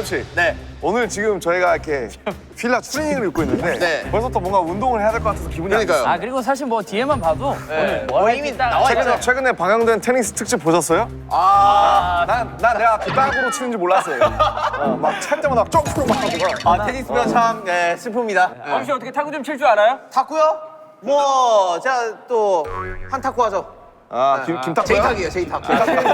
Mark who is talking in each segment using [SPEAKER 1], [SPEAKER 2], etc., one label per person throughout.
[SPEAKER 1] 재엽 씨.
[SPEAKER 2] 네.
[SPEAKER 1] 오늘 지금 저희가 이렇게 필라 추리닝을 입고 있는데
[SPEAKER 2] 네.
[SPEAKER 1] 벌써부터 뭔가 운동을 해야 될 것 같아서 기분이 안
[SPEAKER 2] 그러니까요.
[SPEAKER 1] 좋습니다.
[SPEAKER 3] 아 그리고 사실 뭐 뒤에만 봐도
[SPEAKER 2] 네.
[SPEAKER 3] 오늘 뭐
[SPEAKER 2] 이미 나와 있잖아요.
[SPEAKER 1] 최근에 방영된 테니스 특집 보셨어요? 난 내가 그 땅으로 치는지 몰랐어요. 막 찰 때마다 점프로 막 하고.
[SPEAKER 2] 테니스면 참 슬픕니다.
[SPEAKER 3] 혹시 어떻게 탁구 좀 칠 줄 알아요?
[SPEAKER 2] 탁구요? 뭐 제가 또 한탁구 하죠.
[SPEAKER 1] 김탁구요?
[SPEAKER 2] 제이탁이에요, 제이탁.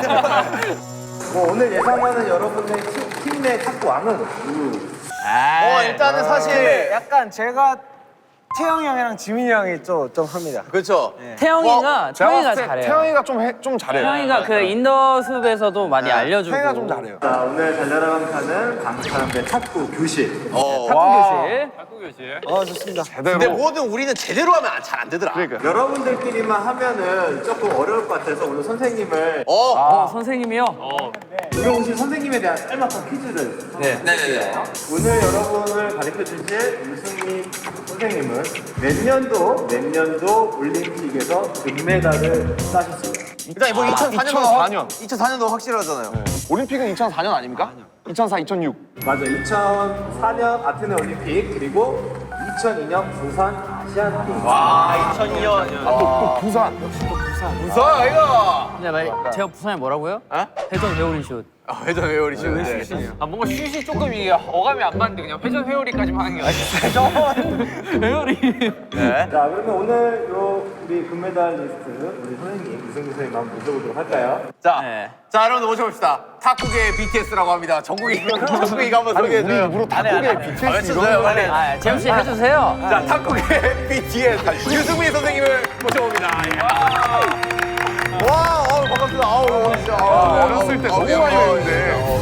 [SPEAKER 4] 뭐 오늘 예상하는 여러분의 팀 내 탁구 왕은
[SPEAKER 2] 일단은 사실
[SPEAKER 4] 약간 제가 태영이 형이랑 지민이 형이 좀 합니다.
[SPEAKER 2] 그렇죠.
[SPEAKER 3] 태영이가
[SPEAKER 1] 제가
[SPEAKER 3] 태영이가
[SPEAKER 1] 봤을 때
[SPEAKER 3] 잘해요.
[SPEAKER 1] 태영이가 좀 잘해요.
[SPEAKER 3] 태영이가 그 인더숲에서도 많이 알려주고.
[SPEAKER 1] 태영이가 좀 잘해요.
[SPEAKER 4] 자, 오늘 달려라방 타는 강사람의 탁구 교실.
[SPEAKER 3] 탁구 교실.
[SPEAKER 4] 좋습니다.
[SPEAKER 1] 제대로.
[SPEAKER 2] 근데 뭐든 우리는 제대로 하면 잘 안 되더라.
[SPEAKER 1] 그러니까.
[SPEAKER 4] 여러분들끼리만 하면은 조금 어려울 것 같아서 오늘 선생님을
[SPEAKER 3] 선생님이요?
[SPEAKER 4] 오늘 오신 선생님에 대한 짤막한 퀴즈를
[SPEAKER 2] 네네네.
[SPEAKER 4] 오늘 여러분을 가르쳐 주실 유승민 선생님은 몇 년도 올림픽에서 금메달을 따셨습니다.
[SPEAKER 2] 일단 뭐
[SPEAKER 1] 2004년.
[SPEAKER 2] 2004년도 확실하잖아요.
[SPEAKER 1] 올림픽은 2004년 아닙니까? 2004, 2006.
[SPEAKER 4] 맞아. 2004년 아테네 올림픽 그리고 2002년 부산 아시안 게임.
[SPEAKER 2] 2002년.
[SPEAKER 1] 또 부산.
[SPEAKER 2] 무서워 이거.
[SPEAKER 3] 근데 제가 부산에 뭐라고요? 회전 회오리 슛.
[SPEAKER 2] 회전 회오리 슛.
[SPEAKER 5] 뭔가 슛이 조금 이게 어감이 안 맞는데 그냥 회전 회오리까지만 하는 게 아니라
[SPEAKER 3] 회오리.
[SPEAKER 2] 네.
[SPEAKER 4] 자, 그러면 오늘 우리 금메달리스트 우리 선생님 유승민 선생님 한번 모셔보도록 할까요?
[SPEAKER 2] 자,
[SPEAKER 3] 네.
[SPEAKER 2] 자 여러분들 모셔봅시다. 탁구계의 BTS라고 합니다. 전국이가 한번 소개해줘요.
[SPEAKER 1] 일부러 탁구계 BTS
[SPEAKER 2] 외쳐줘요 빨리.
[SPEAKER 3] 재엽 씨 해주세요.
[SPEAKER 2] 자, 탁구계의 BTS 유승민 선생님을 모셔봅니다. 와, 반갑습니다.
[SPEAKER 1] 어렸을 때 너무 많이 했는데.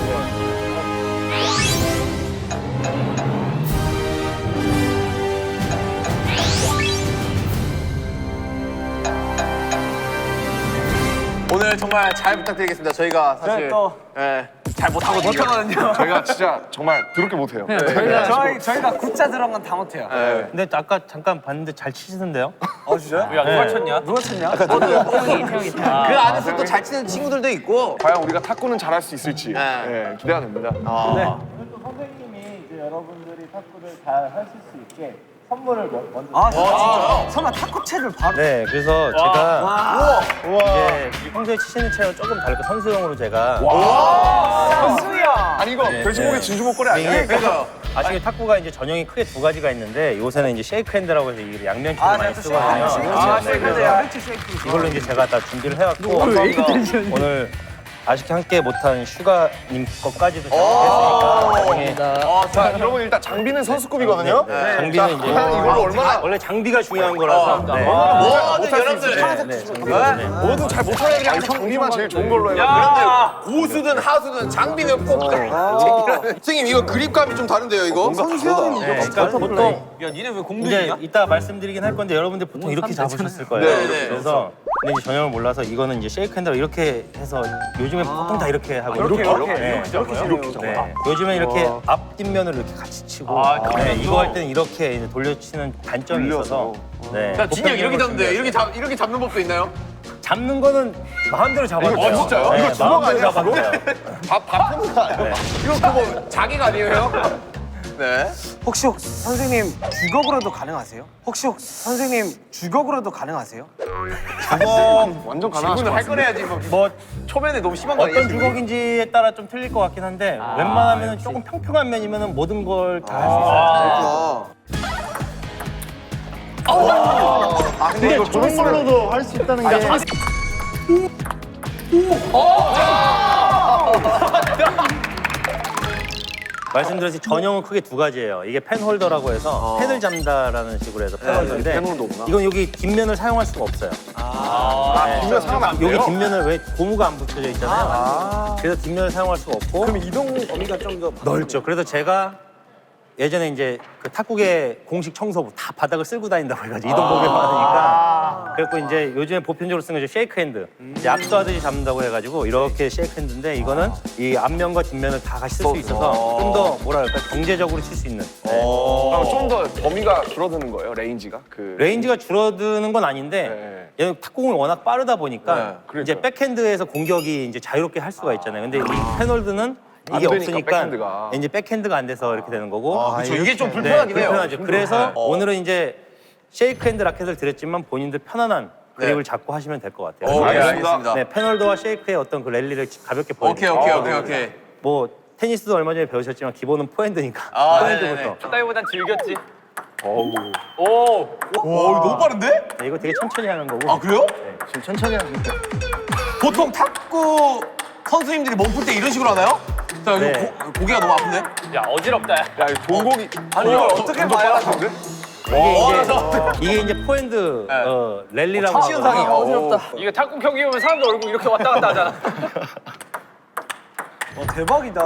[SPEAKER 2] 오늘 정말 잘 부탁드리겠습니다. 저희가 사실 잘 못하거든요.
[SPEAKER 1] 저희가 진짜 정말 더럽게 못해요.
[SPEAKER 4] 저희가 굿자 들어간 건 다 못해요.
[SPEAKER 6] 근데 아까 잠깐 봤는데 잘 치시던데요?
[SPEAKER 5] 야 누가 쳤냐?
[SPEAKER 4] 누가 쳤냐?
[SPEAKER 3] 태영이.
[SPEAKER 2] 그 안에서 또 잘 치는 친구들도 있고.
[SPEAKER 1] 과연 우리가 탁구는 잘할 수 있을지 기대가 됩니다.
[SPEAKER 4] 오늘 또 선생님이 이제 여러분들이 탁구를 잘 하실 수 있게 선물을 먼저.
[SPEAKER 2] 진짜요?
[SPEAKER 4] 설마 탁구채를 바로.
[SPEAKER 6] 네, 그래서 제가 이제 평소에 치시는 채랑 조금 다르게 선수용으로 제가
[SPEAKER 4] 선수야.
[SPEAKER 1] 아니 이거 돼지고기 진주 목걸이 아니야?
[SPEAKER 2] 그러니까요.
[SPEAKER 6] 아시게 탁구가 이제 전형이 크게 두 가지가 있는데 요새는 이제 쉐이크 핸드라고 해서 이게 양면체를 많이 쓰거든요. 이걸로 이제 제가 다 준비를 해왔고 오늘 아쉽게 함께 못한 슈가님 것까지도 준비했으니까
[SPEAKER 1] 자 여러분 일단 장비는 선수급이거든요.
[SPEAKER 6] 장비는 이제
[SPEAKER 1] 이걸로 얼마나
[SPEAKER 6] 원래 장비가 중요한 거라서
[SPEAKER 2] 모든 여러분들
[SPEAKER 1] 뭐든 잘 못하는 게 아니라 장비만 제일 좋은 걸로 해요.
[SPEAKER 2] 고수든 하수든 장비는 꼭 챙기라는. 선생님 이거 그립감이 좀 다른데요 이거?
[SPEAKER 1] 선수형이 이거
[SPEAKER 6] 그러니까 보통
[SPEAKER 5] 야 니네 왜
[SPEAKER 6] 이제
[SPEAKER 5] 공들이냐?
[SPEAKER 6] 이따 말씀드리긴 할 건데 여러분들 보통 이렇게 잡으셨을 거예요.
[SPEAKER 2] 네.
[SPEAKER 6] 그래서 근데 이제 전형을 몰라서 이거는 이제 쉐이크 핸드로 이렇게 해서 요즘에 보통 다 이렇게 하고
[SPEAKER 1] 이렇게
[SPEAKER 6] 네. 네. 요즘에 이렇게 앞 뒷면을 이렇게 같이 치고 네. 이거 할 때는 이렇게 이제 돌려치는 단점이 있어서 네.
[SPEAKER 2] 야 진짜 이렇게 잡는데 이렇게 잡는 법도 있나요?
[SPEAKER 6] 잡는 거는 마음대로 잡아도 돼요.
[SPEAKER 1] 진짜요?
[SPEAKER 6] 네,
[SPEAKER 1] 이거 주먹
[SPEAKER 6] 마음대로
[SPEAKER 1] 아니야,
[SPEAKER 6] 잡아도 돼요.
[SPEAKER 1] 밥 푸는 거 아니야?
[SPEAKER 2] 이거 그거 자기가 아니에요? 네.
[SPEAKER 4] 혹시 선생님 주걱으로도 가능하세요? 선생님 주걱으로도 가능하세요?
[SPEAKER 1] 완전
[SPEAKER 2] 질문을
[SPEAKER 1] 가능하신
[SPEAKER 2] 할 거래야지
[SPEAKER 6] 뭐
[SPEAKER 2] 초면에 너무 심한 거 아니에요?
[SPEAKER 6] 어떤 주걱인지에 따라 좀 틀릴 것 같긴 한데 웬만하면 조금 평평한 면이면 모든 걸 다 할 수 있어요.
[SPEAKER 1] 근데 이거 저런 걸로도 할 수 있다는 게
[SPEAKER 6] 말씀드렸듯이 전형은 크게 두 가지예요. 이게 펜홀더라고 해서 펜을 잡는다라는 식으로 해서 펜홀더인데
[SPEAKER 1] 펜홀더구나.
[SPEAKER 6] 이건 여기 뒷면을 사용할 수가 없어요.
[SPEAKER 1] 뒷면 사람 안 돼요?
[SPEAKER 6] 여기 뒷면을 왜 고무가 안 붙여져 있잖아요. 그래서 뒷면을 사용할 수가 없고
[SPEAKER 4] 그럼 이동 범위가 좀 더
[SPEAKER 6] 넓죠. 그래서 제가 예전에 이제 그 탁구계 공식 청소부 다 바닥을 쓸고 다닌다고 해가지고 이동복에 많으니까 그래갖고 이제 요즘에 보편적으로 쓰는 게 쉐이크 핸드 이제 압수하듯이 잡는다고 해가지고 이렇게 쉐이크 핸드인데 이거는 이 앞면과 뒷면을 다 같이 쓸 수 있어서 좀 더 뭐랄까 경제적으로 칠 수 있는
[SPEAKER 1] 그럼 좀 더 범위가 줄어드는 거예요, 레인지가?
[SPEAKER 6] 레인지가 줄어드는 건 아닌데 얘는 탁구공이 워낙 빠르다 보니까 이제 백핸드에서 공격이 이제 자유롭게 할 수가 있잖아요. 근데 이 페놀드는
[SPEAKER 1] 안
[SPEAKER 6] 이게
[SPEAKER 1] 되니까,
[SPEAKER 6] 없으니까
[SPEAKER 1] 백핸드가.
[SPEAKER 6] 이제 백핸드가 안 돼서 이렇게 되는 거고.
[SPEAKER 2] 그렇죠. 이게 좀 불편하긴 해요.
[SPEAKER 6] 불편하죠. 그래서 오늘은 이제 쉐이크 핸드 라켓을 드렸지만 본인들 편안한 그립을 잡고 하시면 될 것 같아요.
[SPEAKER 2] 오케이,
[SPEAKER 6] 그래서
[SPEAKER 2] 알겠습니다.
[SPEAKER 6] 네, 페널도와 쉐이크의 어떤 그 랠리를 가볍게
[SPEAKER 2] 오케이,
[SPEAKER 6] 보여드릴게요.
[SPEAKER 2] 오케이.
[SPEAKER 6] 뭐 테니스도 얼마 전에 배우셨지만 기본은 포핸드니까
[SPEAKER 2] 아,
[SPEAKER 6] 포핸드부터.
[SPEAKER 5] 첫다이보단 즐겼지.
[SPEAKER 2] 오, 이거 너무 빠른데?
[SPEAKER 6] 네, 이거 되게 천천히 하는 거고.
[SPEAKER 2] 아, 그래요?
[SPEAKER 1] 지금 천천히 하니까.
[SPEAKER 2] 보통 탁구 선수님들이 몸 풀 때 이런 식으로 하나요? 자, 이거
[SPEAKER 6] 네.
[SPEAKER 2] 고개가 너무 아픈데?
[SPEAKER 5] 야 어지럽다. 야.
[SPEAKER 1] 야, 이거 동공이.
[SPEAKER 2] 아니, 이걸 어떻게 봐요?
[SPEAKER 6] 이게 이제 포핸드 랠리라고
[SPEAKER 2] 시현상이
[SPEAKER 6] 하거든요.
[SPEAKER 3] 어지럽다.
[SPEAKER 5] 이거 탁구 경기 보면 사람들 얼굴 이렇게 왔다 갔다 하잖아.
[SPEAKER 4] 대박이다.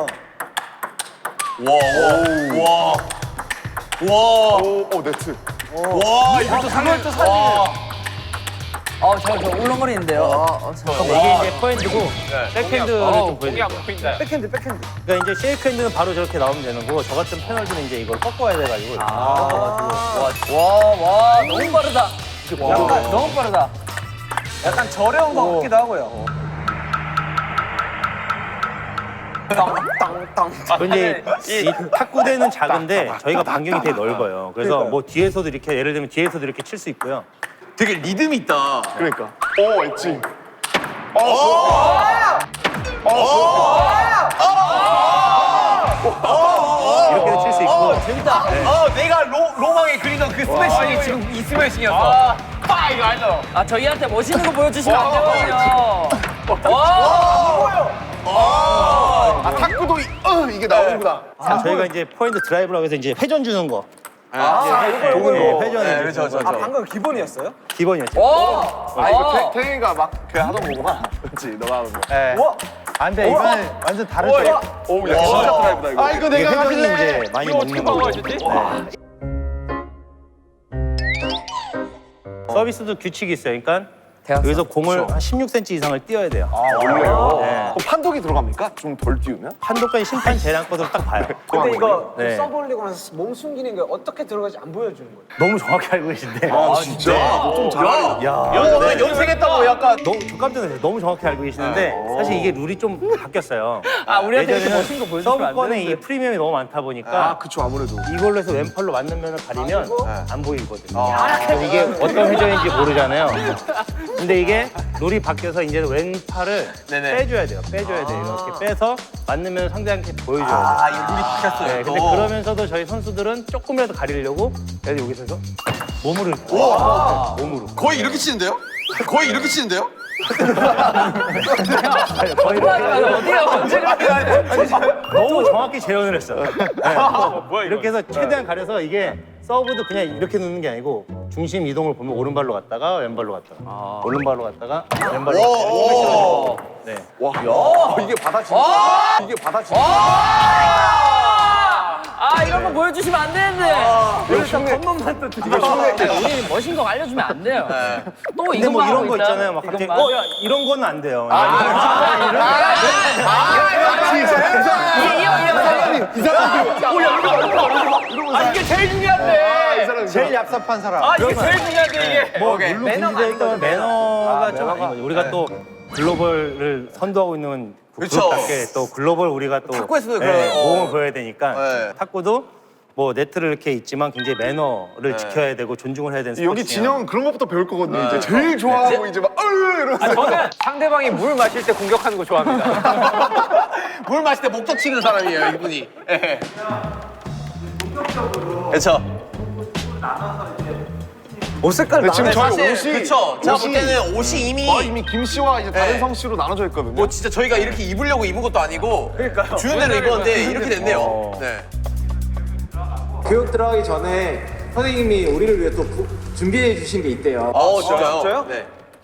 [SPEAKER 2] 와.
[SPEAKER 1] 오, 네트.
[SPEAKER 2] 와, 이것도 상을 또 사진.
[SPEAKER 3] 저 울렁거리는데요.
[SPEAKER 6] 이게 이제 포핸드고 백핸드를 좀
[SPEAKER 5] 공이
[SPEAKER 6] 보여드릴게요.
[SPEAKER 5] 안 보인다.
[SPEAKER 6] 그러니까 이제 쉐이크 핸드는 바로 저렇게 나오면 되는 거고 저 같은 페널티는 이제 이걸 꺾어야 돼가지고 이렇게
[SPEAKER 3] 와, 너무 빠르다. 너무 빠르다.
[SPEAKER 4] 약간 저렴한 것 같기도 하고요.
[SPEAKER 6] 근데 이 탁구대는 작은데 저희가 반경이 되게 넓어요. 그래서 뭐 뒤에서도 이렇게 예를 들면 뒤에서도 이렇게 칠 수 있고요.
[SPEAKER 2] 되게 리듬 있다.
[SPEAKER 1] 그러니까. 오, 엣지.
[SPEAKER 6] 이렇게도 칠 수 있고
[SPEAKER 2] 내가 로망에 그리던 그 스매싱이 지금 이 스매싱이었어. 이거 알죠?
[SPEAKER 3] 저희한테 멋있는 거 보여주시면 안 되거든요.
[SPEAKER 1] 탁구도 이게 나오는구나.
[SPEAKER 6] 저희가 이제 포핸드 드라이브라고 해서 이제 회전 주는 거.
[SPEAKER 2] 이거.
[SPEAKER 6] 회전을
[SPEAKER 2] 네, 그렇죠.
[SPEAKER 4] 방금 기본이었어요?
[SPEAKER 6] 기본이었죠.
[SPEAKER 1] 이거 태경이가 막 그 하던 거구나. 그렇지, 너가 하는 거.
[SPEAKER 6] 안 돼, 이거는 완전 다르죠.
[SPEAKER 1] 오, 야, 진짜 드라이브다, 이거.
[SPEAKER 6] 이거 내가 회전이 이제 많이
[SPEAKER 5] 이거 어떻게
[SPEAKER 6] 먹는 거고.
[SPEAKER 5] 막아야지?
[SPEAKER 6] 서비스도 규칙이 있어요. 그러니까
[SPEAKER 3] 대학생.
[SPEAKER 6] 여기서 공을 한 16cm 이상을 띄어야 돼요.
[SPEAKER 1] 원래요?
[SPEAKER 6] 네.
[SPEAKER 1] 그럼 판독이 들어갑니까? 좀 덜 띄우면?
[SPEAKER 6] 한도까지 심판 재량권으로 딱 봐요.
[SPEAKER 4] 근데 이거
[SPEAKER 6] 네.
[SPEAKER 4] 서브 올리고 나서 몸 숨기는 게 어떻게 들어가지 안 보여주는 거예요?
[SPEAKER 6] 너무 정확히 알고 계신데.
[SPEAKER 1] 진짜? 좀 잘하네.
[SPEAKER 6] 야,
[SPEAKER 2] 연습했다고 약간.
[SPEAKER 6] 너무 저 깜짝 놀랐어요. 너무 정확히 알고 계시는데 사실 이게 룰이 좀 바뀌었어요.
[SPEAKER 3] 우리한테 이렇게
[SPEAKER 6] 예전에는
[SPEAKER 3] 멋진 거 보여주시면 안
[SPEAKER 6] 서브권에
[SPEAKER 3] 되는데.
[SPEAKER 6] 이 프리미엄이 너무 많다 보니까
[SPEAKER 1] 그쵸, 아무래도.
[SPEAKER 6] 이걸로 해서 왼팔로 맞는 면을 가리면 안 보이거든요. 그래서 이게 어떤 회전인지 모르잖아요. 근데 이게 룰이 바뀌어서 이제 왼팔을
[SPEAKER 2] 네네.
[SPEAKER 6] 빼줘야 돼요. 빼줘야 돼요. 이렇게 빼서 맞는 면을 상대한테 보여줘야 돼요.
[SPEAKER 2] 이 룰이 바뀌었어요.
[SPEAKER 6] 네, 근데
[SPEAKER 2] 또.
[SPEAKER 6] 그러면서도 저희 선수들은 조금이라도 가리려고 그래서 여기서 몸으로 이렇게 몸으로
[SPEAKER 2] 거의 이렇게 치는데요? 거의 이렇게 치는데요?
[SPEAKER 6] 거의 이렇게
[SPEAKER 3] 어디가 언제가
[SPEAKER 6] 너무 정확히 재현을 했어요. 네. 이렇게 해서 최대한 가려서 이게 서브도 그냥 이렇게 놓는 게 아니고 중심 이동을 보면 오른발로 갔다가 왼발로 갔다가 오른발로 갔다가 왼발로 갔다가 네.
[SPEAKER 1] 와, 이게 받아치는 이게 받아치는
[SPEAKER 3] 이런 거 보여주시면 안 되는데. 여기서 겉멋만 또 드리고. 우리는 멋진 거 알려주면 안 돼요. 또
[SPEAKER 6] 근데 뭐
[SPEAKER 3] 이것만
[SPEAKER 6] 이런
[SPEAKER 3] 하고
[SPEAKER 6] 거
[SPEAKER 3] 있다.
[SPEAKER 6] 있잖아요. 막 갑자기
[SPEAKER 3] 이것만.
[SPEAKER 6] 야 이런 거는 안 돼요.
[SPEAKER 5] 이게 제일 중요한데.
[SPEAKER 6] 제일 얍삽한 사람.
[SPEAKER 5] 이게 제일 중요한데 이게.
[SPEAKER 6] 뭐 물론 금지되어 있다면 매너가 좀 아닌 거죠. 우리가 또 글로벌을 선도하고 있는 그
[SPEAKER 2] 그쵸.
[SPEAKER 6] 그룹답게 또 글로벌 우리가 또
[SPEAKER 2] 탁구에서도 그런,
[SPEAKER 6] 모험을 보여야 되니까
[SPEAKER 2] 네.
[SPEAKER 6] 탁구도 뭐 네트를 이렇게 있지만 굉장히 매너를 지켜야 되고 존중을 해야 되는
[SPEAKER 1] 여기
[SPEAKER 6] 스포츠예요.
[SPEAKER 1] 진영은 그런 것부터 배울 거거든요. 이제 제일 좋아하고 이제 막 이러면서.
[SPEAKER 5] 저는 상대방이 물 마실 때 공격하는 거 좋아합니다.
[SPEAKER 2] 물 마실 때 목적 치는 사람이에요, 이분이. 예. 그렇죠.
[SPEAKER 4] 옷 색깔
[SPEAKER 1] 지금 저희 옷이
[SPEAKER 2] 그렇죠. 제가 볼 때는 옷이
[SPEAKER 1] 이미 김 씨와 이제 다른
[SPEAKER 2] 네.
[SPEAKER 1] 성 씨로 나눠져 있거든요.
[SPEAKER 2] 뭐 진짜 저희가 이렇게 입으려고 입은 것도 아니고 주는 대로 입었는데 이렇게 됐네요. 네.
[SPEAKER 4] 교육 들어가기 전에 선생님이 우리를 위해 또 준비해 주신 게 있대요.
[SPEAKER 2] 진짜요? 네.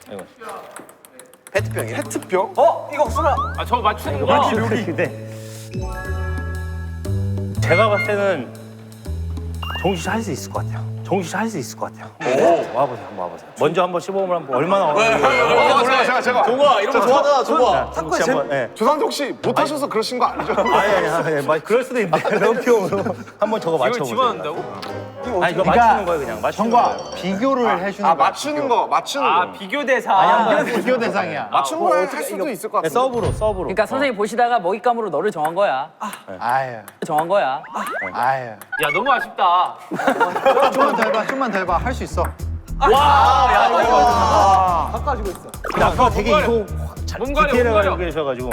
[SPEAKER 2] 페트병이요?
[SPEAKER 1] 페트병?
[SPEAKER 4] 이거 수나
[SPEAKER 5] 저 맞추는 거.
[SPEAKER 6] 근데 제가 봤을 때는 정신 할 수 있을 것 같아요. 정식 할 수 있을 것 같아요. 와보세요, 한번 와보세요. 먼저 한번 시범을 한번 얼마나
[SPEAKER 1] 몰라요. 제가.
[SPEAKER 2] 동아 이런 거 좋아하잖아 동아.
[SPEAKER 6] 탁구에 한번. 예.
[SPEAKER 1] 조상태 혹시 못하셔서 그러신 거 아니죠?
[SPEAKER 6] 아니, 그럴 수도 있는데 럼피용으로 한번 저거 맞춰보세요.
[SPEAKER 5] 집어넣는다고?
[SPEAKER 6] 아니 이거 맞추는 거예요, 그냥 맞추는 거예요.
[SPEAKER 7] 비교를 해주는
[SPEAKER 1] 아
[SPEAKER 7] 거야.
[SPEAKER 1] 맞추는 거.
[SPEAKER 5] 비교 대상.
[SPEAKER 7] 비교 대상이야.
[SPEAKER 1] 맞춘 거할 수도 있을 것
[SPEAKER 6] 네,
[SPEAKER 1] 같은데.
[SPEAKER 6] 서브로.
[SPEAKER 3] 그러니까 선생님 보시다가 먹잇감으로 너를 정한 거야.
[SPEAKER 7] 아유,
[SPEAKER 3] 정한 거야.
[SPEAKER 7] 아유.
[SPEAKER 5] 야 너무 아쉽다.
[SPEAKER 7] 좀만 더 해봐. 할 수 있어.
[SPEAKER 6] 근데 아까 되게 이거
[SPEAKER 5] 몸가려,
[SPEAKER 6] 디테일하게
[SPEAKER 5] 몸가려.
[SPEAKER 6] 알고 계셔가지고.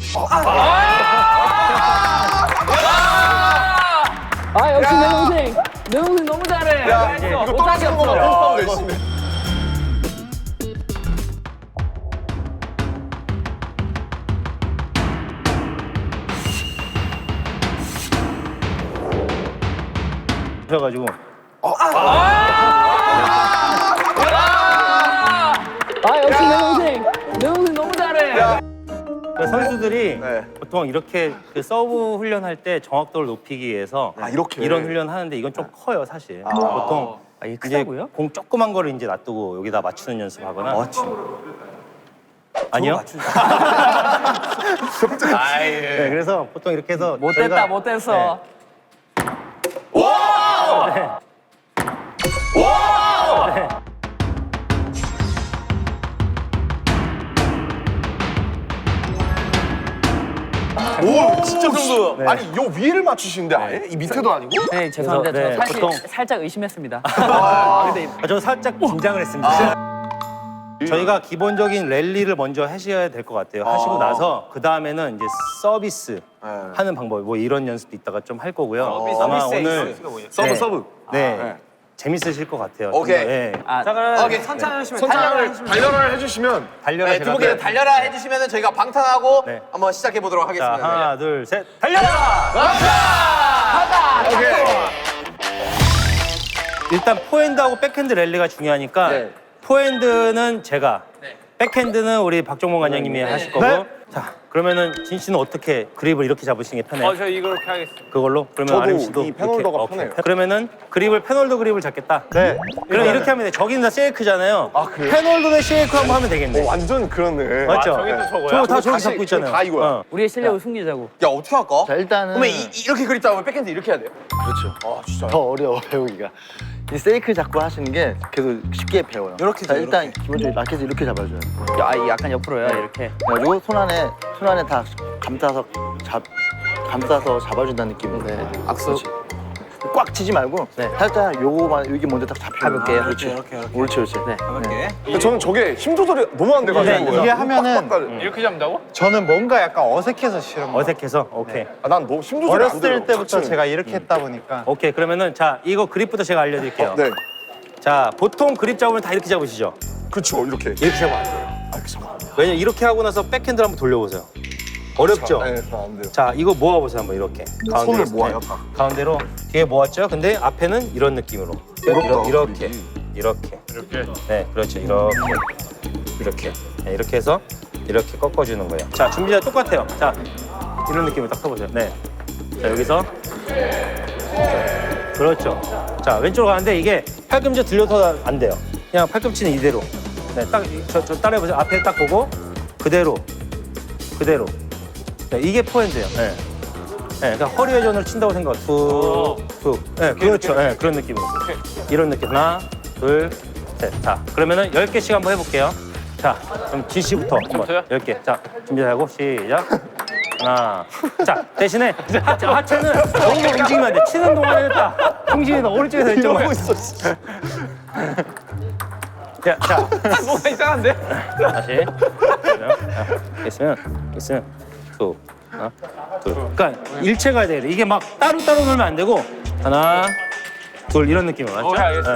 [SPEAKER 3] 아 역시 내 동생. 내 동생 너무 잘해.
[SPEAKER 1] 야, 이거 떨어지는 거만 뻔뻔 열심히.
[SPEAKER 6] 그래가지고
[SPEAKER 3] 아 역시 내 동생. 내 동생 너무 잘해.
[SPEAKER 6] 선수들이
[SPEAKER 1] 네.
[SPEAKER 6] 보통 이렇게 그 서브 훈련할 때 정확도를 높이기 위해서
[SPEAKER 1] 이렇게.
[SPEAKER 6] 이런 훈련 하는데 이건 좀 커요 사실. 보통
[SPEAKER 3] 이게
[SPEAKER 6] 이제
[SPEAKER 3] 크다고요?
[SPEAKER 6] 공 조그만 거를 이제 놔두고 여기다 맞추는 연습하거나. 아니요. 네, 그래서 보통 이렇게 해서
[SPEAKER 3] 못됐다 못됐어.
[SPEAKER 1] 오, 진짜
[SPEAKER 2] 정도.
[SPEAKER 1] 네. 아니, 요 위를 맞추시는데 아예? 이 밑에도 아니고?
[SPEAKER 3] 네 죄송합니다.
[SPEAKER 6] 그래서, 네,
[SPEAKER 3] 저 사실
[SPEAKER 6] 보통-
[SPEAKER 3] 살짝 의심했습니다.
[SPEAKER 6] 저 살짝 긴장을 했습니다. 저희가 기본적인 랠리를 먼저 하셔야 될 것 같아요. 하시고 나서 그 다음에는 이제 서비스 하는 방법, 뭐 이런 연습도 이따가 좀 할 거고요. 아마
[SPEAKER 2] 서비스
[SPEAKER 6] 오늘
[SPEAKER 2] 에이스가 뭐예요?
[SPEAKER 1] 서브, 서브.
[SPEAKER 6] 네. 재밌으실 것 같아요.
[SPEAKER 2] 오케이.
[SPEAKER 6] 좀 더, 예.
[SPEAKER 3] 아,
[SPEAKER 2] 오케이 천천히 하시면
[SPEAKER 1] 단련을 해주시면
[SPEAKER 6] 달려라
[SPEAKER 2] 네,
[SPEAKER 6] 제가.
[SPEAKER 2] 두 분께서 달려라 해주시면 저희가 방탄하고
[SPEAKER 6] 네.
[SPEAKER 2] 한번 시작해 보도록
[SPEAKER 6] 자,
[SPEAKER 2] 하겠습니다.
[SPEAKER 6] 하나, 둘, 셋, 달려라! 일단 포핸드하고 백핸드 랠리가 중요하니까
[SPEAKER 2] 네.
[SPEAKER 6] 포핸드는 제가, 백핸드는 우리 박종범 관장님이 하실 거고. 자, 그러면은 진 씨는 어떻게 그립을 이렇게 잡으시는 게 편해요?
[SPEAKER 5] 저 이렇게 하겠습니다.
[SPEAKER 6] 그걸로? 그러면
[SPEAKER 1] 저도
[SPEAKER 6] 아름 씨도
[SPEAKER 1] 이 패널더가
[SPEAKER 6] 이렇게, 오케이.
[SPEAKER 1] 편해요.
[SPEAKER 6] 그러면은 그립을 패널더 그립을 잡겠다. 네. 그럼 이렇게 하면 돼. 저기는 다 쉐이크잖아요.
[SPEAKER 1] 아, 그래요?
[SPEAKER 6] 패널더 대 쉐이크 한번 하면 되겠네.
[SPEAKER 1] 완전 그렇네.
[SPEAKER 6] 맞죠?
[SPEAKER 5] 저기 또 저거야?
[SPEAKER 6] 저거 다 저기
[SPEAKER 1] 다시
[SPEAKER 6] 잡고 있잖아요.
[SPEAKER 1] 다 이거야.
[SPEAKER 6] 어.
[SPEAKER 3] 우리의 실력을 숨기자고.
[SPEAKER 2] 야 어떻게 할까?
[SPEAKER 7] 자, 일단은
[SPEAKER 2] 그러면 이렇게 그립 잡으면 백핸드 이렇게 해야 돼요.
[SPEAKER 7] 더 어려워 배우기가. 이 세이크 잡고 하시는 게 계속 쉽게 배워요.
[SPEAKER 2] 이렇게
[SPEAKER 7] 자, 일단 기본적으로 라켓을 이렇게 잡아줘요.
[SPEAKER 3] 야, 약간 옆으로요 이렇게.
[SPEAKER 7] 그리고 손 안에 다 감싸서 잡아준다는 느낌으로. 네.
[SPEAKER 3] 악수.
[SPEAKER 7] 꽉 치지 말고 살짝 요거만 여기 먼저 딱 잡혀.
[SPEAKER 3] 가볍게요.
[SPEAKER 7] 그렇지.
[SPEAKER 2] 이렇게.
[SPEAKER 7] 옳지. 네.
[SPEAKER 2] 가볍게.
[SPEAKER 1] 저는 저게 힘 조절이 너무 안 돼가지고.
[SPEAKER 7] 이게 하면은
[SPEAKER 5] 이렇게 잡는다고?
[SPEAKER 8] 저는 뭔가 약간 어색해서 싫은 거예요.
[SPEAKER 6] 어색해서? 오케이.
[SPEAKER 1] 난 너무 힘 조절이 안 돼요.
[SPEAKER 8] 어렸을 때부터
[SPEAKER 1] 자체는.
[SPEAKER 8] 제가 이렇게 했다 보니까
[SPEAKER 6] 오케이. 그러면은 자, 이거 그립부터 제가 알려드릴게요.
[SPEAKER 1] 네.
[SPEAKER 6] 자, 보통 그립 잡으면 다 이렇게 잡으시죠?
[SPEAKER 1] 그렇죠, 이렇게.
[SPEAKER 6] 이렇게 잡으면 안 돼요. 왜냐면 이렇게 하고 나서 백핸드를 한번 돌려보세요. 어렵죠?
[SPEAKER 1] 네, 안 돼요.
[SPEAKER 6] 자, 이거 모아보세요, 한번 이렇게.
[SPEAKER 1] 손을
[SPEAKER 6] 있을
[SPEAKER 1] 모아요,
[SPEAKER 6] 때.
[SPEAKER 1] 다.
[SPEAKER 6] 가운데로 뒤에 모았죠? 근데 앞에는 이런 느낌으로.
[SPEAKER 1] 어렵다,
[SPEAKER 6] 이렇게.
[SPEAKER 1] 그림이.
[SPEAKER 6] 이렇게.
[SPEAKER 5] 이렇게.
[SPEAKER 6] 네, 그렇죠. 이렇게. 네, 이렇게 해서 이렇게 꺾어주는 거예요. 자, 준비자 똑같아요. 자, 이런 느낌으로 딱 써보세요. 네. 자, 여기서. 그렇죠. 자, 왼쪽으로 가는데 이게 팔꿈치 들려서 안 돼요. 그냥 팔꿈치는 이대로. 네, 딱, 저 따라해보세요. 앞에 딱 보고, 그대로. 네, 이게 포핸드예요. 네. 네, 그러니까 허리 회전을 친다고 생각. 툭. 네, 그렇죠. 네, 그런 느낌으로. 이런 느낌. 하나, 둘, 셋. 자, 그러면은 10개씩 한번 해볼게요. 자, 그럼 진 씨부터 한번.
[SPEAKER 5] 저요?
[SPEAKER 6] 10개. 자, 준비하고 시작. 하나. 자, 대신에 하체는 너무 움직이면 안 돼. 치는 동안에는 딱 중심이 오른쪽에서 왼쪽만. 자,
[SPEAKER 5] 뭔가 이상한데?
[SPEAKER 6] 다시. 있으면 툭. 하나, 둘. 그러니까 일체 가야 돼. 이게 막 따로따로 놀면 안 되고 하나, 둘 이런 느낌으로 맞죠?
[SPEAKER 5] 오케이, 알겠습니다.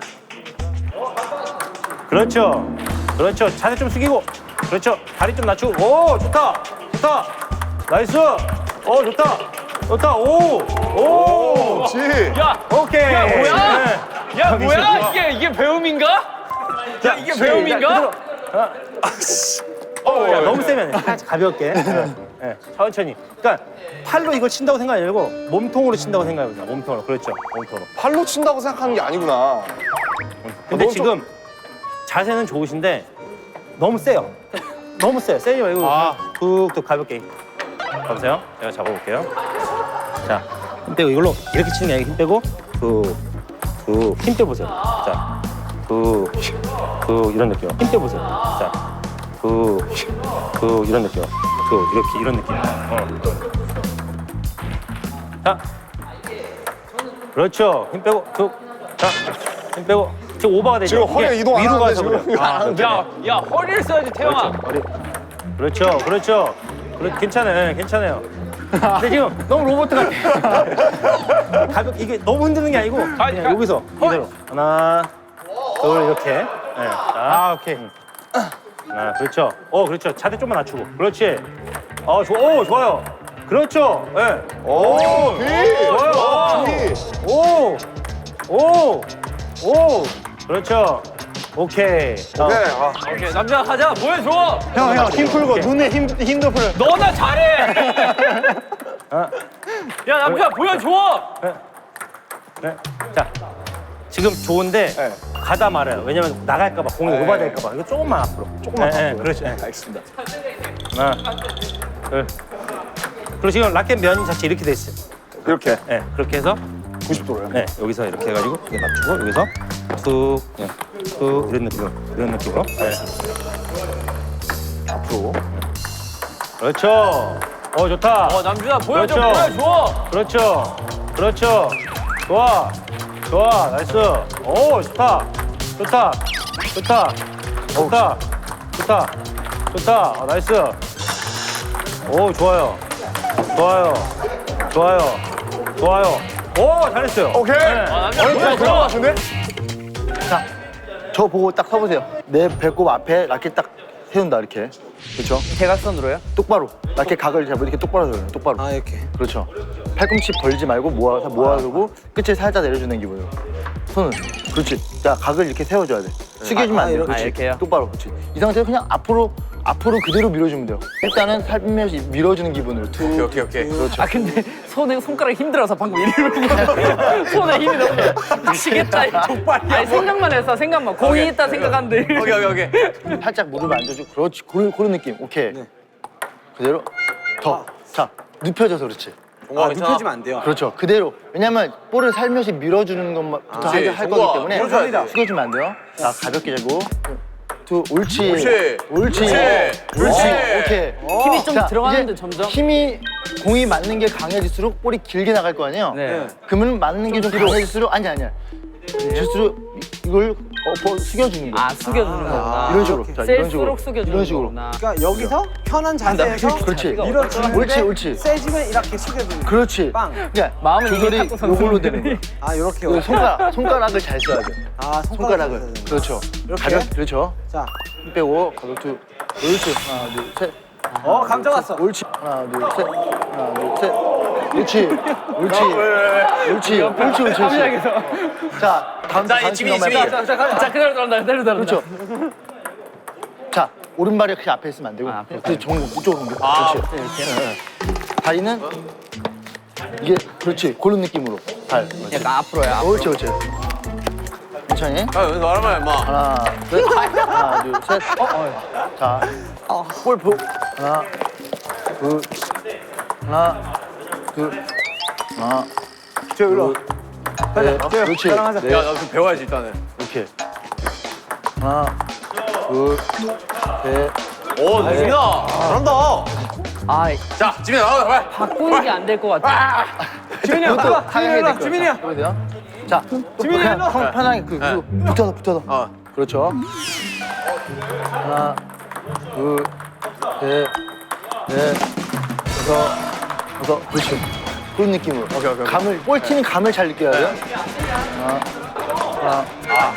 [SPEAKER 6] 그렇죠. 자세 좀 숙이고. 그렇죠. 다리 좀 낮추고. 오, 좋다. 나이스. 좋다. 오.
[SPEAKER 1] 지.
[SPEAKER 5] 야,
[SPEAKER 6] 오케이.
[SPEAKER 5] 야, 뭐야?
[SPEAKER 6] 네.
[SPEAKER 5] 야 뭐야? 이게 배움인가? 야 이게 배움인가?
[SPEAKER 6] 야, 너무 세면 돼. 살짝 가볍게. 예, 천천히. 그러니까 팔로 이걸 친다고 생각하지 말고 몸통으로 친다고 생각해보자. 몸통으로. 그렇죠. 몸통으로.
[SPEAKER 1] 팔로 친다고 생각하는 게 아니구나.
[SPEAKER 6] 근데
[SPEAKER 1] 너무
[SPEAKER 6] 지금 자세는 좋으신데 너무 세요. 너무 세요. 세지 말고 툭툭 가볍게. 봐보세요. 제가 잡아볼게요. 자, 힘 빼고 이걸로 이렇게 치는 게 아니고 힘 빼고 툭툭 힘 빼보세요. 자, 툭툭 이런 느낌. 힘 빼보세요. 자, 툭툭 이런 느낌. 툭 이렇게 이런 느낌. 자, 그렇죠. 힘 빼고 툭. 자, 힘 빼고. 지금 오버가 되죠.
[SPEAKER 1] 지금 허리
[SPEAKER 6] 이게
[SPEAKER 1] 이동 안
[SPEAKER 6] 위로
[SPEAKER 1] 하는데
[SPEAKER 6] 가서
[SPEAKER 1] 지금.
[SPEAKER 6] 그래요.
[SPEAKER 5] 야 허리를 써야지 태영아.
[SPEAKER 6] 그렇죠, 그렇죠. 괜찮아요, 괜찮아요. 근데 지금 너무 로봇 같아. 가볍게 이게 너무 흔드는 게 아니고 그냥 여기서 이대로 하나, 둘 이렇게. 네. 자, 오케이. 하나, 그렇죠. 그렇죠. 자세 좀만 낮추고. 그렇지. 좋아요. 그렇죠. 예. 네. 좋아요. 그렇죠. 오케이.
[SPEAKER 5] 오케이 남자 가자 보여줘.
[SPEAKER 8] 형, 힘 풀고 눈에 힘도 풀어.
[SPEAKER 5] 너나 잘해. 야 남자 보여줘.
[SPEAKER 6] 네. 자, 지금 좋은데
[SPEAKER 1] 네.
[SPEAKER 6] 가다 말아요. 왜냐면 나갈까봐 공이 오버될까봐. 이거 조금만 앞으로. 조금만 앞으로. 그렇지.
[SPEAKER 1] 알겠습니다.
[SPEAKER 6] 하나, 둘. 그리고 지금 라켓 면 자체 이렇게 돼 있어요.
[SPEAKER 1] 이렇게
[SPEAKER 6] 네, 그렇게 해서
[SPEAKER 1] 90도로요.
[SPEAKER 6] 네, 여기서 이렇게 해가지고 이렇게 맞추고 여기서 툭, 그냥 툭 이런 느낌으로. 네.
[SPEAKER 1] 앞으로.
[SPEAKER 6] 그렇죠. 좋다.
[SPEAKER 5] 남준아 보여줘
[SPEAKER 6] 그렇죠.
[SPEAKER 5] 보여줘.
[SPEAKER 6] 그렇죠. 좋아. 나이스. 좋다. 나이스. 좋아요. 잘했어요.
[SPEAKER 1] 오케이.
[SPEAKER 5] 남자
[SPEAKER 1] 될것
[SPEAKER 5] 보여줘.
[SPEAKER 1] 같은데?
[SPEAKER 7] 자, 저 보고 딱 서보세요. 내 배꼽 앞에 라켓 딱 세운다 이렇게. 그렇죠?
[SPEAKER 3] 대각선으로요?
[SPEAKER 7] 똑바로. 라켓 각을 잡고 이렇게 똑바로 세워요. 똑바로.
[SPEAKER 3] 이렇게.
[SPEAKER 7] 그렇죠. 팔꿈치 벌지 말고 모아두고 끝을 살짝 내려주는 기분으로. 손은. 그렇지. 자, 각을 이렇게 세워줘야 돼. 숙여주면 안 돼. 그렇지.
[SPEAKER 3] 이렇게요?
[SPEAKER 7] 똑바로. 그렇지. 이 상태에서 그냥 앞으로 그대로 밀어주면 돼요. 일단은 살며시 밀어주는 기분으로.
[SPEAKER 1] 오케이.
[SPEAKER 7] 그렇죠.
[SPEAKER 3] 근데 손가락이 힘들어서 방금 이러고 손에 힘이 너무 미치겠다. 족발이야. 아니 생각만 해서 공이 있다 생각하는데.
[SPEAKER 5] 오케이.
[SPEAKER 7] 살짝 무릎을 앉아주고. 그렇지. 그런 느낌. 오케이. 그대로. 더. 자, 눕혀져서 그렇지.
[SPEAKER 2] 눕혀지면 안 돼요.
[SPEAKER 7] 그렇죠. 그대로. 왜냐면 볼을 살며시 밀어주는 것부터 할 거기 때문에 숙여주면 안 돼요. 자, 가볍게 잡고. 옳지. 오케이.
[SPEAKER 3] 힘이 좀
[SPEAKER 7] 자,
[SPEAKER 3] 들어가는데
[SPEAKER 7] 이제
[SPEAKER 3] 점점.
[SPEAKER 7] 공이 맞는 게 강해질수록 볼이 길게 나갈 거 아니에요?
[SPEAKER 3] 네.
[SPEAKER 7] 그러면 맞는 게 좀 강해질수록 아니야. 질수록 이걸 숙여주는 거야.
[SPEAKER 3] 숙여주는 거구나.
[SPEAKER 7] 이런 식으로. 자, 이런 식으로.
[SPEAKER 3] 셀수록 숙여주는
[SPEAKER 7] 이런 식으로.
[SPEAKER 3] 거구나.
[SPEAKER 4] 그러니까 여기서 편한 자세에서
[SPEAKER 7] 그렇지.
[SPEAKER 4] 밀어주는데
[SPEAKER 7] 옳지.
[SPEAKER 4] 세지면 이렇게 숙여주는
[SPEAKER 7] 그렇지.
[SPEAKER 4] 빵.
[SPEAKER 7] 그러니까
[SPEAKER 3] 마음은
[SPEAKER 7] 조절이
[SPEAKER 3] 이게 탁구
[SPEAKER 7] 요걸로 되는 거야.
[SPEAKER 4] 아 이렇게요.
[SPEAKER 7] 손가락을 잘 써야 돼. 손가락을.
[SPEAKER 4] 써야 되는
[SPEAKER 7] 그렇죠.
[SPEAKER 4] 이렇게?
[SPEAKER 7] 그렇죠.
[SPEAKER 4] 자,
[SPEAKER 7] 힘 빼고 가볍게. 옳지. 하나, 둘, 셋.
[SPEAKER 4] 감정 왔어.
[SPEAKER 7] 옳지. 하나, 둘, 셋. 하나, 둘, 셋. 옳지. 자, 다음
[SPEAKER 5] 지민이.
[SPEAKER 3] 자 그대로 들어간다.
[SPEAKER 7] 그렇죠. 자, 오른발이 그렇게 앞에 있으면 안 되고. 그 이쪽으로 옮겨. 그렇지. 이렇게. 다리는 이게 그렇지. 그런 느낌으로. 발.
[SPEAKER 3] 약간 앞으로야.
[SPEAKER 7] 옳지. 천천히.
[SPEAKER 5] 왜 말하면 임마.
[SPEAKER 7] 하나, 둘, 셋. 자, 볼 보. 하나, 둘.
[SPEAKER 1] 저 일로.
[SPEAKER 7] 그렇지.
[SPEAKER 5] 야 나 좀 배워야지 일단은.
[SPEAKER 7] 이렇게. 하나, 둘, 셋.
[SPEAKER 5] 오 지민아 잘한다. 자 지민아 나와 빨리.
[SPEAKER 3] 바꾸는 게 안 될 것 같아.
[SPEAKER 7] 지민이 형,
[SPEAKER 4] 일로, 지민이야.
[SPEAKER 7] 자, 지민이 형, 편하게 그리고 붙어서. 그렇죠. 하나, 둘, 셋, 넷, 다섯. 그렇지. 그런 느낌으로. 오케이. 볼 튀는 감을 잘 느껴야 돼요. 하나,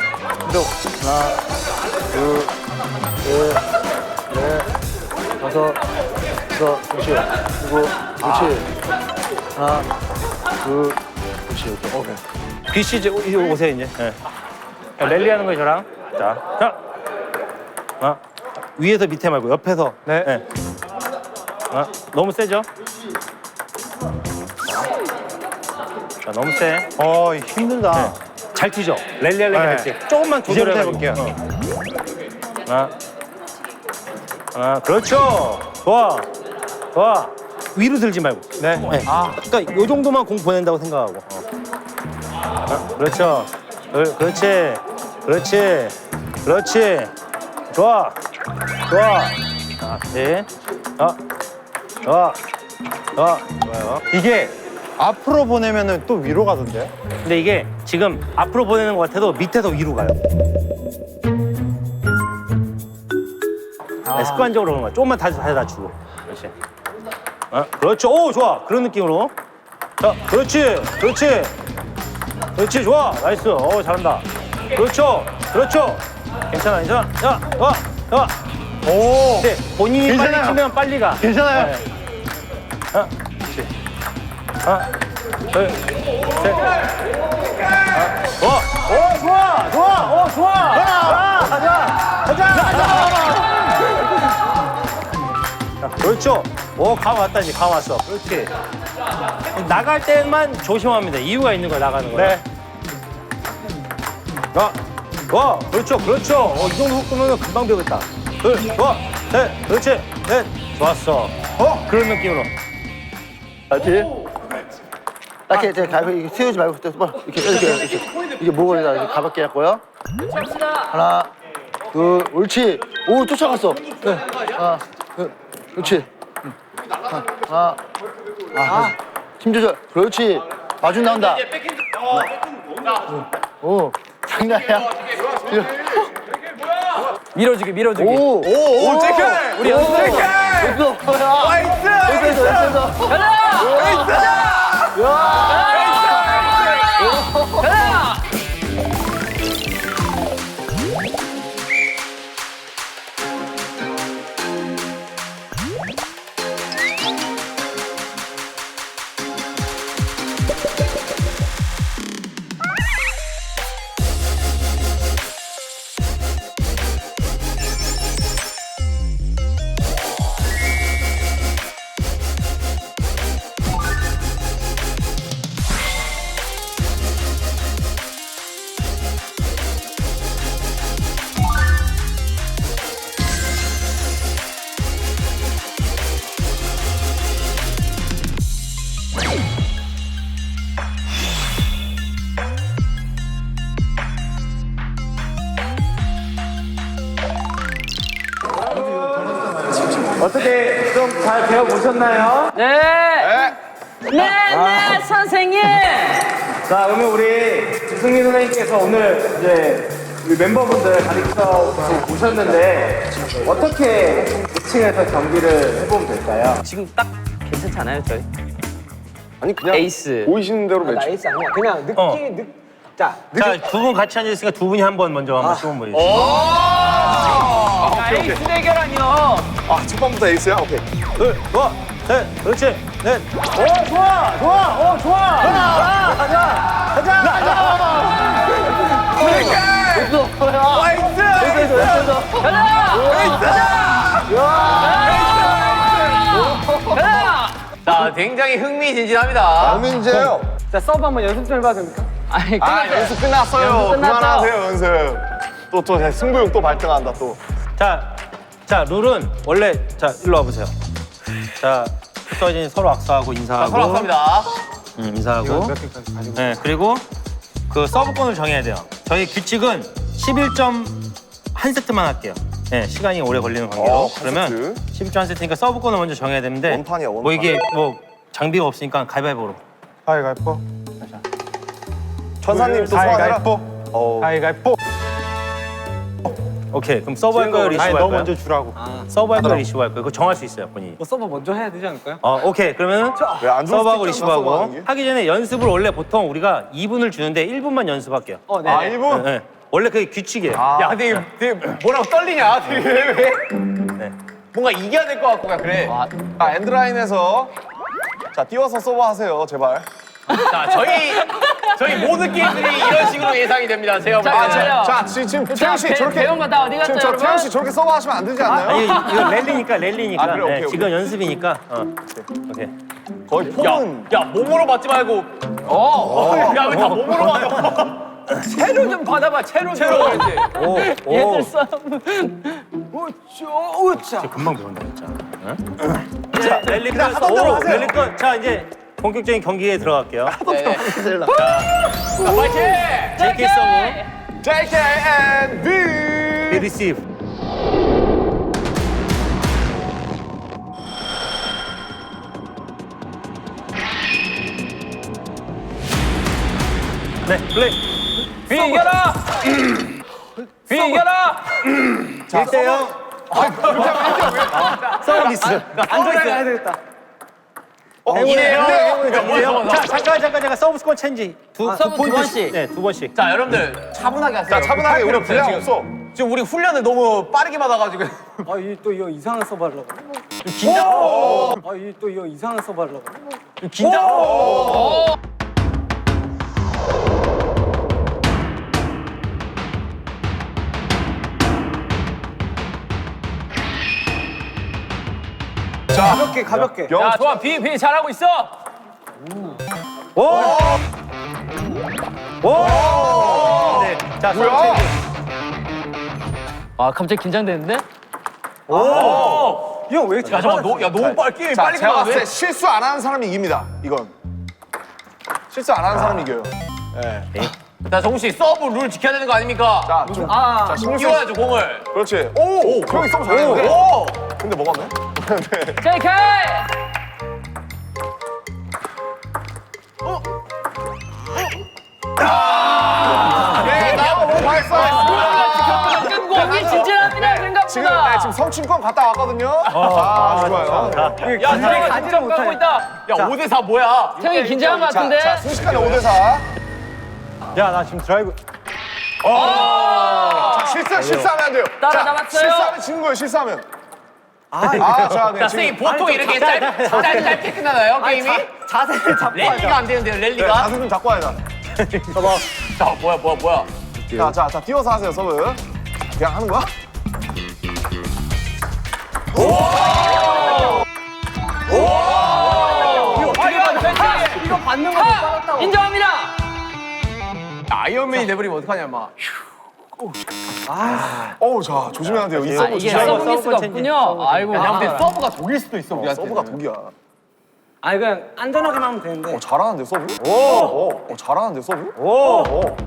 [SPEAKER 7] 둘, 셋, 넷, 다섯. 그렇지. 그리고 그렇지. 하나, 둘, 그렇지. 오케이.
[SPEAKER 6] BC 이제 오세요 이제. 네. 랠리하는 거예요 저랑. 자. 위에서 밑에 말고 옆에서. 네. 너무 세죠? 자, 너무 세.
[SPEAKER 8] 힘들다.
[SPEAKER 6] 잘 튀죠? 랠리할래 지 조금만
[SPEAKER 8] 이제부터
[SPEAKER 6] 조절해볼게요.
[SPEAKER 8] 해볼게요.
[SPEAKER 6] 하나, 그렇죠. 좋아. 위로 들지 말고.
[SPEAKER 8] 네.
[SPEAKER 6] 그러니까 요 정도만 공 보낸다고 생각하고. 그렇죠. 그렇지. 좋아. 네. 좋아요.
[SPEAKER 8] 이게 앞으로 보내면은 또 위로 가던데요?
[SPEAKER 6] 근데 이게 지금 앞으로 보내는 것 같아도 밑에서 위로 가요. 네, 습관적으로 그런 거야. 조금만 다시 주고. 그렇지. 그렇죠. 오, 좋아. 그런 느낌으로. 자, 그렇지. 좋아. 나이스. 잘한다. 그렇죠. 괜찮아. 자.
[SPEAKER 8] 오.
[SPEAKER 6] 네, 본인이
[SPEAKER 8] 괜찮아요.
[SPEAKER 6] 빨리 치면 빨리 가.
[SPEAKER 8] 괜찮아요.
[SPEAKER 6] 네. 그렇지. 하나, 둘, 셋. 좋아. 자, 그렇죠. 감 왔다, 이제 감 왔어. 그렇지. 나갈 때만 조심합니다. 이유가 있는 거야, 나가는 거야.
[SPEAKER 8] 네.
[SPEAKER 6] 좋아. 그렇죠. 이 정도 속도면 금방 배우겠다. 둘, 셋, 그렇지. 넷. 좋았어. 그런 느낌으로.
[SPEAKER 7] 알지? 이렇게 이제 가볍게 세우지 말고 이렇게 이게 목을 이렇게 가볍게 했고요. 하나, 둘, 옳지. 오, 쫓아갔어. 네. 하나, 둘, 그렇지. 하나, 힘 조절. 그렇지. 마중 나온다. 오, 장난이야.
[SPEAKER 3] 밀어주기.
[SPEAKER 7] 오,
[SPEAKER 1] 제크!
[SPEAKER 3] 우리 연습해.
[SPEAKER 8] 어떻게 좀 잘 배워보셨나요?
[SPEAKER 3] 네, 선생님.
[SPEAKER 8] 자, 그러면 우리 승민 선생님께서 오늘 이제 우리 멤버분들 가르쳐 보셨는데 어떻게 2층에서 경기를 해보면 될까요?
[SPEAKER 3] 지금 딱 괜찮지 않아요, 저희?
[SPEAKER 1] 아니 그냥
[SPEAKER 3] 에이스.
[SPEAKER 1] 보이시는 대로 매치.
[SPEAKER 2] 에이스 아니야. 그냥 느낌.
[SPEAKER 6] 자, 두 분 같이 앉아있으니까 두 분이 한 번 먼저 시범 보여주세요.
[SPEAKER 5] 에이스 대결 아니요.
[SPEAKER 1] 첫 번부터 에이스야? 오케이.
[SPEAKER 6] 둘, 좋아. 셋, 그렇지. 넷.
[SPEAKER 5] 자, 굉장히 흥미진진합니다.
[SPEAKER 1] 문제예요.
[SPEAKER 2] 자, 서브 한번 연습 좀 해봐도 됩니까?
[SPEAKER 3] 아니,
[SPEAKER 1] 연습 끝났어요.
[SPEAKER 3] 연습 끝났죠?
[SPEAKER 1] 그만하세요 연습. 또 승부욕 또 발등한다 또.
[SPEAKER 6] 자, 룰은 원래, 자, 일로 와보세요. 자, 붙어진 서로 악수하고 인사하고.
[SPEAKER 5] 서로 감사합니다.
[SPEAKER 6] 인사하고. 네, 그리고 그 서브권을 정해야 돼요. 저희 규칙은 11점 한 세트만 할게요. 네, 시간이 오래 걸리는 관계로.
[SPEAKER 1] 한
[SPEAKER 6] 그러면 11점 한 세트니까 서브권을 먼저 정해야 되는데.
[SPEAKER 1] 원판이야, 원판.
[SPEAKER 6] 뭐 이게 뭐 장비가 없으니까 가위바위보로.
[SPEAKER 8] 가위바위보.
[SPEAKER 1] 천사님 또 소환해라.
[SPEAKER 8] 가위바위보. 가위바위보.
[SPEAKER 6] 오케이, 그럼 서브 할 거예요, 리시브
[SPEAKER 8] 아니
[SPEAKER 6] 할
[SPEAKER 8] 너
[SPEAKER 6] 거예요?
[SPEAKER 8] 먼저 주라고.
[SPEAKER 6] 서브 할 거예요, 리시브 할 거예요? 그거 정할 수 있어요, 본인이.
[SPEAKER 2] 뭐 서브 먼저 해야 되지 않을까요?
[SPEAKER 6] 오케이. 그러면
[SPEAKER 1] 왜안 좋을 수도
[SPEAKER 6] 서브하고
[SPEAKER 1] 있잖아,
[SPEAKER 6] 리시브하고
[SPEAKER 1] 서브하는 게.
[SPEAKER 6] 하기 전에 연습을 원래 보통 우리가 2분을 주는데 1분만 연습할게요.
[SPEAKER 2] 네.
[SPEAKER 1] 1분?
[SPEAKER 6] 네. 원래 그게 규칙이에요.
[SPEAKER 5] 야, 되게 뭐라고 떨리냐? 되게 왜?
[SPEAKER 6] 네.
[SPEAKER 5] 뭔가 이겨야 될 것 같고 그래.
[SPEAKER 1] 엔드라인에서 자 띄워서 서브하세요 제발.
[SPEAKER 2] 자, 저희 모든 게임들이 이런 식으로 예상이 됩니다. 제가 볼 때는.
[SPEAKER 1] 자, 지금 태영 씨 저렇게
[SPEAKER 3] 배운 거 다 어디 갔죠,
[SPEAKER 1] 지금 저
[SPEAKER 3] 여러분?
[SPEAKER 1] 태영 씨 저렇게 서브 하시면 안 되지 않나요?
[SPEAKER 6] 아니 이거 랠리니까.
[SPEAKER 1] 아, 그래, 오케이, 오케이.
[SPEAKER 6] 지금 연습이니까. 오케이.
[SPEAKER 1] 거의 폼은
[SPEAKER 2] 야, 몸으로 맞지 말고. 야, 왜 다 몸으로 맞아?
[SPEAKER 5] 채로 좀 받아봐. 채로 좀.
[SPEAKER 3] 얘들 싸움.
[SPEAKER 6] 금방 배운다 진짜. 자 랠리컷. 랠리컷. 자 이제 본격적인 경기에 들어갈게요.
[SPEAKER 2] 파이팅!
[SPEAKER 6] JK 서브.
[SPEAKER 1] JK and B.
[SPEAKER 6] B 리시브. 네 플레이.
[SPEAKER 5] 비 이겨라. 비 이겨라.
[SPEAKER 6] 1대0. 서비스.
[SPEAKER 8] 안전하게 해야 되겠다.
[SPEAKER 2] 이래요.
[SPEAKER 6] 자 잠깐 서브 스코어 체인지 두 번씩. 네, 두 번씩.
[SPEAKER 2] 자, 여러분들 차분하게 하세요.
[SPEAKER 1] 자, 차분하게 우리
[SPEAKER 2] 없어요,
[SPEAKER 1] 분량
[SPEAKER 2] 지금.
[SPEAKER 1] 없어.
[SPEAKER 2] 지금 우리 훈련을 너무 빠르게 받아가지고.
[SPEAKER 8] 또 이거 이상한 서브 하려고.
[SPEAKER 2] 긴장.
[SPEAKER 8] 또 이거 이상한 서브 하려고.
[SPEAKER 2] 긴장.
[SPEAKER 8] 가볍게.
[SPEAKER 1] 영
[SPEAKER 5] 야, 좋아. 비 잘하고 있어.
[SPEAKER 6] 네. 자 서브
[SPEAKER 1] 뭐야?
[SPEAKER 6] 체인지.
[SPEAKER 3] 아 갑자기 긴장되는데?
[SPEAKER 8] 형 왜 이렇게
[SPEAKER 2] 야, 잠깐, 너무 빨리
[SPEAKER 1] 자,
[SPEAKER 2] 빨리
[SPEAKER 1] 제가 봤을 때
[SPEAKER 2] 가는데?
[SPEAKER 1] 실수 안 하는 사람이 이깁니다. 이건 실수 안 하는 사람이 이겨요.
[SPEAKER 2] 자, 정우 씨 서브 룰 지켜야 되는 거 아닙니까?
[SPEAKER 1] 자, 좀 자, 신경 쓰.
[SPEAKER 2] 띄워야죠 공을.
[SPEAKER 1] 그렇지. 오, 형이 서브 잘했는데.
[SPEAKER 2] 오.
[SPEAKER 1] 근데 뭐 맞네?
[SPEAKER 3] JK!
[SPEAKER 1] 예, 나와 뭐 발사.
[SPEAKER 3] 경기 진진합니다 생각보다.
[SPEAKER 1] 지금 네, 지금 성춘권 갔다 왔거든요. 아주 좋아요.
[SPEAKER 2] 야, 태영이 가지를 가고 있다. 야, 5대4 뭐야?
[SPEAKER 3] 형이 긴장한 것 같은데?
[SPEAKER 1] 자, 순식간에 5대4.
[SPEAKER 8] 야나 지금 드라이브.
[SPEAKER 1] 자, 실수하면 안 돼요.
[SPEAKER 3] 따라잡았어요.
[SPEAKER 1] 실수하면 지는 거예요, 실수하면. 자, 네,
[SPEAKER 2] 자,
[SPEAKER 1] 지금.
[SPEAKER 2] 선생님 보통 이렇게 짧게 끝나나요, 게임이?
[SPEAKER 8] 자세를 잡고
[SPEAKER 2] 랠리가 안 되는데요,
[SPEAKER 1] 네,
[SPEAKER 2] 랠리가?
[SPEAKER 1] 자세 좀 잡고 와야 돼.
[SPEAKER 2] 자, 뭐야.
[SPEAKER 1] 자, 띄워서 하세요, 서브. 그냥 하는 거야?
[SPEAKER 8] 이거 받는 거 못 받았다고.
[SPEAKER 3] 인정합니다.
[SPEAKER 2] 아이언맨이 돼버리면 어떡하냐, 막.
[SPEAKER 1] 어우, 자, 조심해야 돼요. 이
[SPEAKER 3] 아
[SPEAKER 1] 서브
[SPEAKER 3] 이게
[SPEAKER 1] 조심해야 돼요.
[SPEAKER 3] 서브 미스가 없군요. 아이고.
[SPEAKER 2] 야, 근데 서브가 독일 수도 있어, 우리한테.
[SPEAKER 1] 서브가 독이야.
[SPEAKER 8] 아니 그냥 안전하게만 하면 되는데.
[SPEAKER 1] 잘하는데, 서브? 잘하는데, 서브?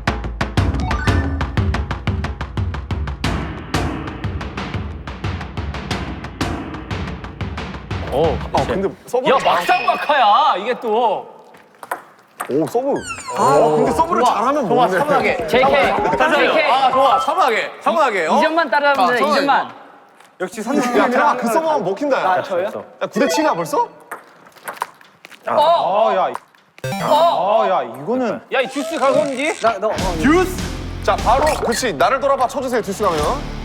[SPEAKER 1] 근데 서브.
[SPEAKER 5] 야, 막상막하야. 이게 또.
[SPEAKER 1] 오, 서브. 근데 서브를 잘하면
[SPEAKER 2] 좋아,
[SPEAKER 1] 모르네.
[SPEAKER 2] 차분하게.
[SPEAKER 3] JK.
[SPEAKER 2] 아, 좋아, 차분하게.
[SPEAKER 3] 2점만 따라하면 돼. 2점만.
[SPEAKER 8] 역시
[SPEAKER 1] 야,
[SPEAKER 8] 선생님이
[SPEAKER 1] 태아 그 서브하면 먹힌다, 야.
[SPEAKER 8] 저요?
[SPEAKER 1] 야, 9대 7이야, 벌써?
[SPEAKER 8] 야 이거는.
[SPEAKER 5] 야, 이 듀스 가건지?
[SPEAKER 1] 자, 바로, 그렇지. 나를 돌아봐 쳐주세요, 듀스 가면.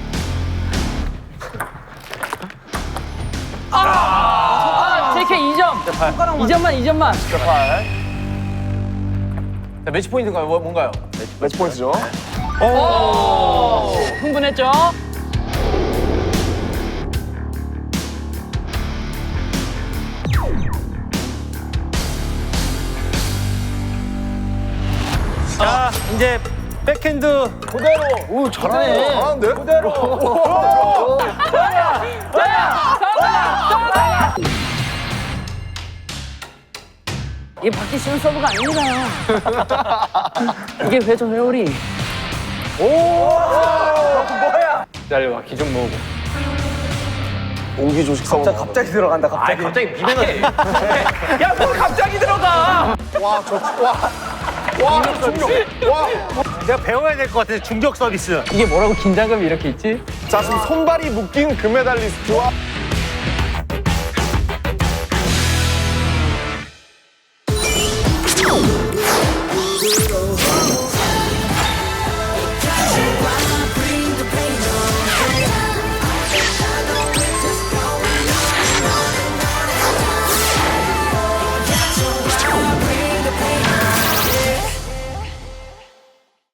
[SPEAKER 3] JK 2점. 2점만.
[SPEAKER 2] 자, 매치 포인트가 뭔가요?
[SPEAKER 1] 매치 포인트죠.
[SPEAKER 3] 오, 흥분했죠?
[SPEAKER 6] 자 이제 백핸드
[SPEAKER 7] 오 잘하네.
[SPEAKER 1] 잘하는데?
[SPEAKER 3] 이게 받기 쉬운 서브가 아닙니다. 이게 회전 회오리.
[SPEAKER 5] 기다려봐, 기좀 모으고.
[SPEAKER 1] 옹기 조식 서브.
[SPEAKER 8] 갑자기 들어간다 갑자기.
[SPEAKER 2] 갑자기 미면허.
[SPEAKER 5] 야, 뭘 갑자기 들어가!
[SPEAKER 1] 와, 중력. 와.
[SPEAKER 6] 내가 배워야 될 것 같아. 중격 서비스.
[SPEAKER 3] 이게 뭐라고 긴장감이 이렇게 있지?
[SPEAKER 1] 자, 지금 손발이 묶인 금메달리스트와